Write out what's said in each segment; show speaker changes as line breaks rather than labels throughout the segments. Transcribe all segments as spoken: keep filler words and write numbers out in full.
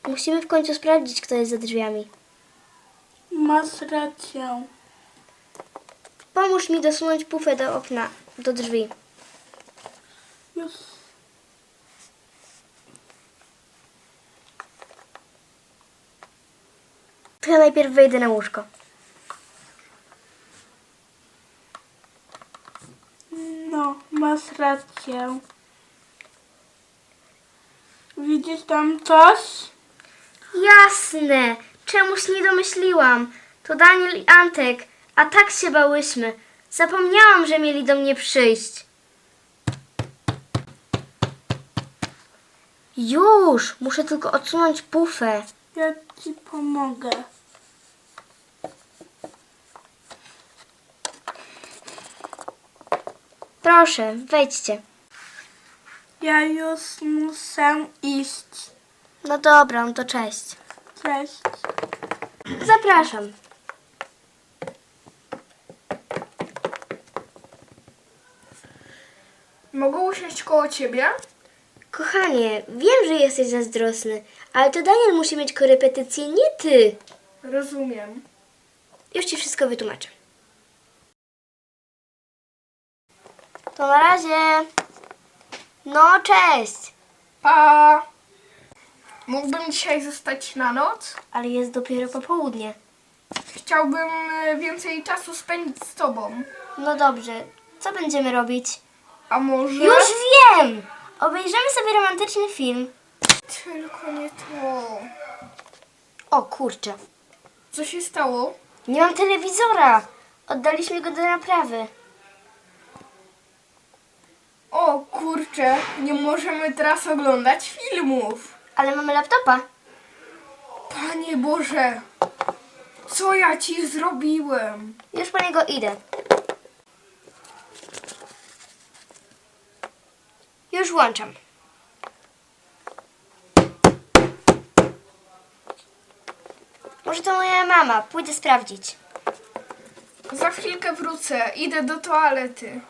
Musimy w końcu sprawdzić, kto jest za drzwiami.
Masz rację.
Pomóż mi dosunąć pufę do okna, do drzwi.
Już.
To ja najpierw wejdę na łóżko.
No, masz rację. Widzisz tam coś?
Jasne! Czemuś nie domyśliłam. To Daniel i Antek, a tak się bałyśmy. Zapomniałam, że mieli do mnie przyjść. Już! Muszę tylko odsunąć pufę.
Ja ci pomogę.
Proszę, wejdźcie.
Ja już muszę iść.
No dobra, no to cześć.
Cześć.
Zapraszam.
Mogę usiąść koło ciebie?
Kochanie, wiem, że jesteś zazdrosny, ale to Daniel musi mieć korepetycje, nie ty.
Rozumiem.
Już ci wszystko wytłumaczę. To na razie. No, cześć.
Pa! Mógłbym dzisiaj zostać na noc?
Ale jest dopiero popołudnie.
Chciałbym e, więcej czasu spędzić z tobą.
No dobrze, co będziemy robić?
A może...
Już wiem! Obejrzymy sobie romantyczny film.
Tylko nie to.
O kurczę,
Co się stało?
nie mam telewizora. Oddaliśmy go do naprawy.
O kurczę, nie możemy teraz oglądać filmów.
Ale mamy laptopa.
Panie Boże, co ja ci zrobiłem?
Już po niego idę. Już włączam. Może to moja mama. Pójdę sprawdzić.
Za chwilkę wrócę, idę do toalety.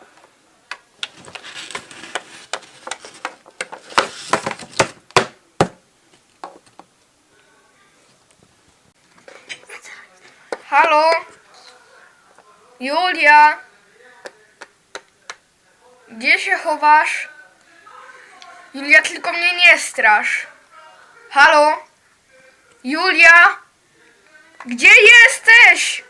Halo? Julia? Gdzie się chowasz? Julia, tylko mnie nie strasz. Halo? Julia? Gdzie jesteś?